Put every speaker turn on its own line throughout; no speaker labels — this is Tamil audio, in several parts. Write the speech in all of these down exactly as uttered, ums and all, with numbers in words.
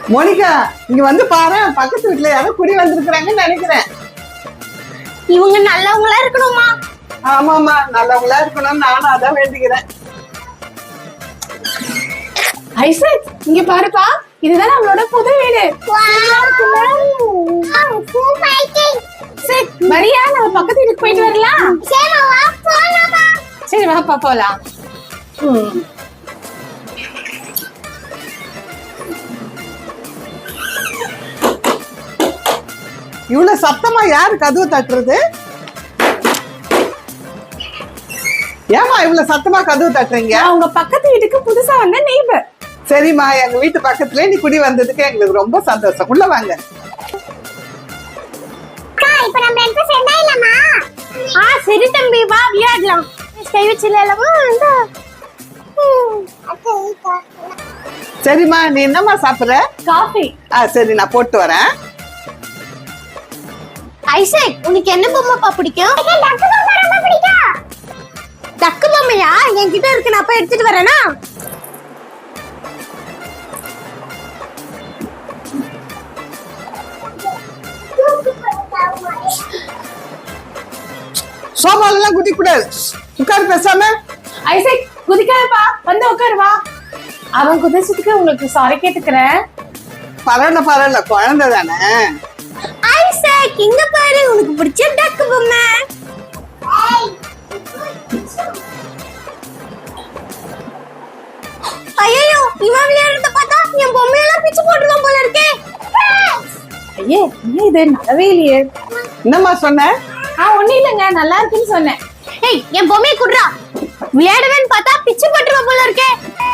மோனிகா இங்க வந்து பாரு, பக்கத்து வீட்டுல யாரோ குடி வந்திருக்கிறாங்கன்னு நினைக்கிறேன்.
இவங்க நல்லவங்களா இருக்கணுமா?
ஆமாமா, நல்லவங்களா இருக்கணும், நானும் அதான் வேண்டிக்கிறேன்.
ஐசக், இங்க பாருப்பா, இதுதான் நம்மளோட புது வீடு. சரி, வரியா நம்ம பக்கத்து வீட்டுக்கு போயிட்டு வரலாம்? சரி வாப்பா போலாம்.
இவ்வளவு சத்தமா யாரு கதவு தட்டுறது? ஏமா இவ்வளவு சத்தமா கதவு தட்டுறீங்க?
உங்க பக்கத்து வீட்டுக்கு புதுசா வந்த நெய்பர்.
சரிம்மா, எங்க வீட்டு பக்கத்துல நீ குடி வந்ததுக்கு எங்களுக்கு ரொம்ப சந்தோஷம். உள்ள வாங்க.
இப்ப நம்ம ரெண்டு பேரும் சேர்ந்தாயிலாமா? ஆ சரி தம்பி, வா விளையாடலாம். கை வச்சிரலாமா? இந்த
சரிம்மா, நீ என்னம்மா சாப்பிடுற?
காஃபி.
ஆ சரி, நான் போட்டு வரேன்.
ஐசக், உனக்கு என்ன பொம்மைப்பா பிடிக்கும்? டக்கு பொம்மை ரொம்ப பிடிக்கும். டக்கு பொம்மையா? என்கிட்ட இருக்கு, நான் போய் எடுத்துட்டு வரேனா?
சோபால எல்லாம் குதிக்க கூடாது, உட்காரு பேசாம.
ஐசக், குதிக்காதப்பா, வந்து உட்காரு வா. அவன் குதிச்சதுக்கு உங்களுக்கு சாரி கேட்டுக்கிறேன்.
பரவாயில்ல பரவாயில்ல, குழந்தை தானே.
ஐசக், இங்க பாரு, உனக்கு பிடிச்ச டக்கு பொம்மை. ஐயோ, இவன் விளையாடுறத பார்த்தா என் பொம்மையெல்லாம் பிச்சு போட்டுருவான் போல இருக்கே.
ஐயே, என்ன இது நல்லாவே இல்லையே.
என்னம்மா சொன்ன?
ஆ ஒண்ணும் இல்லைங்க, நல்லா இருக்குன்னு சொன்னேன்.
ஏய், என் பொம்மையை குடுறா. விளையாடுவேன்னு பார்த்தா பிச்சு போட்டுருவான் போல இருக்கே.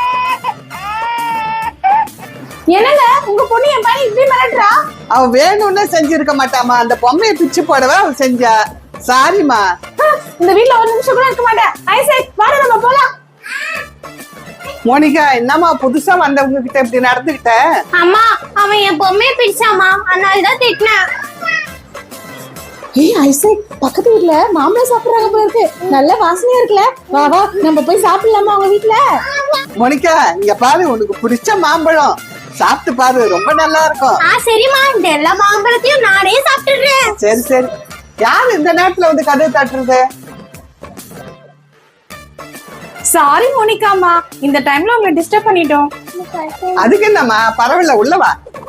என்னங்க உங்க பொண்ணு என் பையன் இப்படி மிரட்டுறா?
அவ வேணும்னே செஞ்சிருக்க மாட்டாமா, அந்த பொம்மையை பிச்சு போடவா அவ செஞ்சா. சாரிமா.
இந்த வீட்ல ஒரு நிமிஷம் கூட இருக்க மாட்டேன். ஐசக், வாடா நம்ம போலாம்.
மோனிகா, என்னம்மா புதுசா வந்தவங்க கிட்ட இப்படி நடந்துகிட்ட?
அம்மா, அவன் என் பொம்மையை பிடிச்சாமா, அதனால தான் திட்டினேன்.
ஏய் ஐசக், பக்கத்து வீட்ல மாம்பழம் சாப்பிடுறாங்க போல இருக்கு. நல்ல வாசனையா இருக்குல்ல? வா வா, நம்ம போய் சாப்பிடலாமா அவங்க வீட்ல?
மோனிகா, இங்க பாரு, உனக்கு பிடிச்ச மாம்பழம் சாப்பிட்டு பாரு, ரொம்ப நல்லா இருக்கும்.
ஆ சரிம்மா, இந்த எல்லா மாம்பழத்தையும் நானே சாப்பிட்டுறேன்.
சரி சரி. யாரு இந்த நேரத்துல வந்து கதவு தட்டுறது?
சாரி மோனிகாமா, இந்த டைம்ல உங்களை டிஸ்டர்ப் பண்ணிட்டோம்.
அதுக்கு என்னம்மா, பரவாயில்ல, உள்ளவா.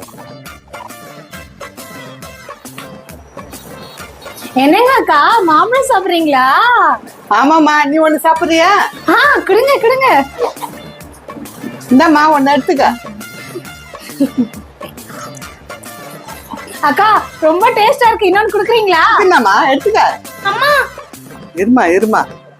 என்னங்க அக்கா, மாம்பழம் சாப்பிடுறீங்களா?
ஆமாமா, நீ ஒண்ணு சாப்பிடுறியா?
ஆ கொடுங்க கொடுங்க.
இந்தம்மா ஒண்ணு எடுத்துக்க.
அக்கா, ரொம்ப டேஸ்டா இருக்கு, இன்னொன்னு குடுக்குறீங்களா?
என்னம்மா, எடுத்துக்க.
அம்மா,
இருமா இருமா.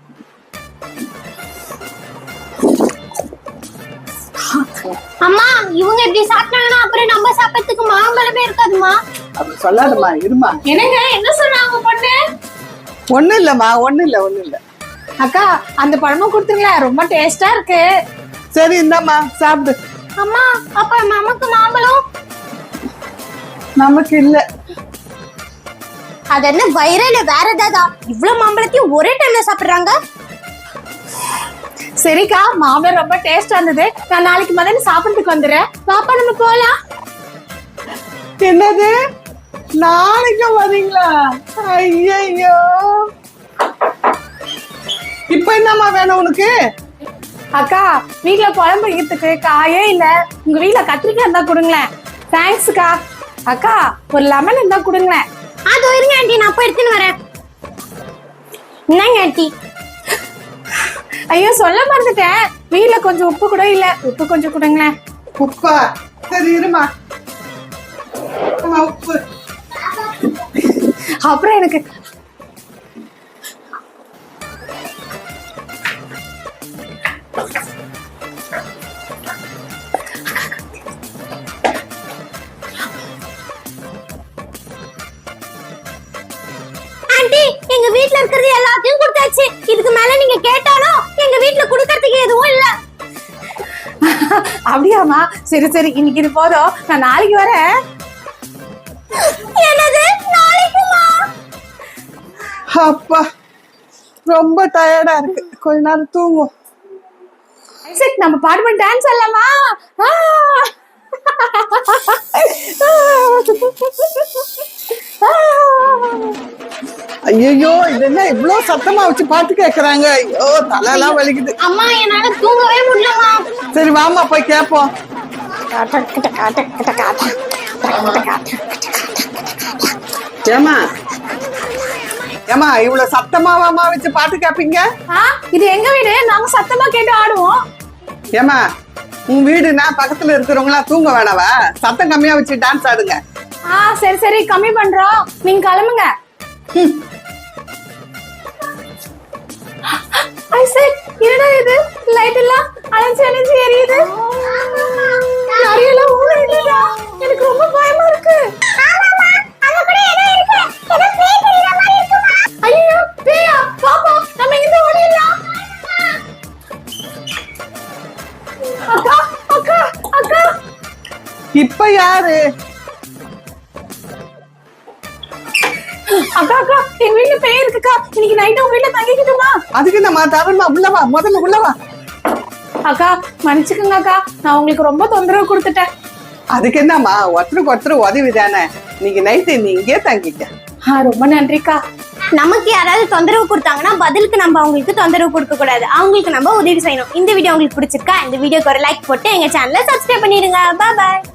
அம்மா, இவங்க இப்படி சாப்பிட்டாங்கன்னா அப்புறம் நம்ம சாப்பிடறதுக்கு மாம்பழமே இருக்காதுமா.
அப்படி சொல்லாதம்மா, இருமா.
என்னங்க, என்ன சொன்னாங்க பொண்ணு?
ஒண்ணும் இல்லம்மா, ஒண்ணும் இல்ல ஒண்ணும் இல்ல.
அக்கா, அந்த பழமும் கொடுத்துருங்களேன், ரொம்ப டேஸ்டா இருக்கு.
சரி, இந்தாம்மா சாப்பிடு.
அம்மா, அப்ப நமக்கு மாம்பழம்?
நமக்கு இல்ல.
அது என்ன வைரல வேற ஏதாதா? இவ்வளவு மாம்பழத்தையும் ஒரே டைம்ல சாப்பிடுறாங்க.
சரிக்கா, மாம்பழம் ரொம்ப டேஸ்டா இருந்தது. நான் நாளைக்கு மதியம் சாப்பிடுறதுக்கு வந்துடுறேன். பாப்பா, நம்ம போலாம்.
என்னது, நாளைக்கு வரீங்களா? ஐயோ, இப்ப என்னம்மா வேணும் உனக்கு?
அக்கா, வீட்ல குழம்பு வைக்கிறதுக்கு காயே இல்ல. உங்க வீட்ல கத்திரிக்காய் இருந்தா கொடுங்களேன். தேங்க்ஸ்க்கா. அக்கா, ஒரு லெமன் இருந்தா கொடுங்களேன்.
அதோ இருங்க ஆண்டி, நான் போய் எடுத்துன்னு வரேன். என்னங்க ஆண்டி?
ஐயோ, சொல்ல மறந்துட்டேன், வீட்ல கொஞ்சம் உப்பு கூட இல்ல. உப்பு கொஞ்சம் கொடுங்களேன்.
உப்பா? சரி இருமா. அம்மா, உப்பு.
அப்புறம் எனக்கு
ஆண்டி, எங்க வீட்ல இருக்கிறது எல்லாத்தையும் கொடுத்தாச்சு. இதுக்கு மேல நீங்க கேட்டாலும் எங்க வீட்ல கொடுக்கறதுக்கு எதுவும் இல்ல.
அப்படியாமா? சரி சரி, இன்னைக்கு இது போதும், நான் நாளைக்கு வரேன்.
என்னது, நாளைக்குமா?
அப்பா, ரொம்ப டயர்டா இருக்கு, கொஞ்ச நேரம் தூங்கும்.
ஐசக், நம்ம பாடுபட்டு டான்ஸ் ஆடலாமா?
ஐயோ இது என்ன இவ்வளவு சத்தமா வச்சு பாட்டு கேக்குறாங்க. ஐயோ தலையெல்லாம் வலிக்குது.
அம்மா என்னால தூங்கவே முடியலம்மா.
சரி வாமா போய் கேப்போம். ஏமா ஏமா இவ்வளவு சத்தமாவாமா வச்சு பாட்டு கேப்பீங்க?
ஆ, இது எங்க வீடு, நாங்க சத்தமா கேட்டு ஆடுவோம்.
ஏமா உன் வீடுனா பக்கத்துல இருக்கிறவங்களா தூங்க வேணாவா? சத்தம் கம்மியா வச்சு டான்ஸ் ஆடுங்க.
ஆ சரி சரி கம்மி பண்றோம், நீங்க கிளம்புங்க. ஐசக், என்னடா இது, லைட் எல்லாம் அணைஞ்சு அணைஞ்சு எரியுது. நிறையெல்லாம் ஊறிடுதா, எனக்கு ரொம்ப பயமா இருக்கு. ஐயோ பேயா, பாப்பா நம்ம இங்க ஓடிடலாம். அக்கா அக்கா அக்கா.
இப்ப யாரு?
அக்கா அக்கா, எங்க வீட்டுல பேய் இருக்குக்கா, இன்னைக்கு நைட்டு உங்க வீட்டுல தங்கிக்கிட்டுமா?
அதுக்கு நம்ம தரமா உள்ளவா, முதல்ல உள்ளவா.
அக்கா மன்னிச்சுக்கோங்க அக்கா, நான் உங்களுக்கு ரொம்ப தொந்தரவு கொடுத்துட்டேன்.
அதுக்கு என்னம்மா, ஒருத்தருக்கு ஒருத்தர் உதவி தானே. நீங்க நைட்டு நீ இங்கே தங்கிக்க.
ஆ ரொம்ப நன்றிக்கா.
நமக்கு யாராவது தொந்தரவு கொடுத்தாங்கன்னா பதிலுக்கு நம்ம அவங்களுக்கு தொந்தரவு கொடுக்க கூடாது, அவங்களுக்கு நம்ம உதவி செய்யணும். இந்த வீடியோ உங்களுக்கு பிடிச்சிருக்கா? இந்த வீடியோக்கு ஒரு லைக் போட்டு எங்க சேனலை சப்ஸ்கிரைப் பண்ணிடுங்க. பாய் பாய்.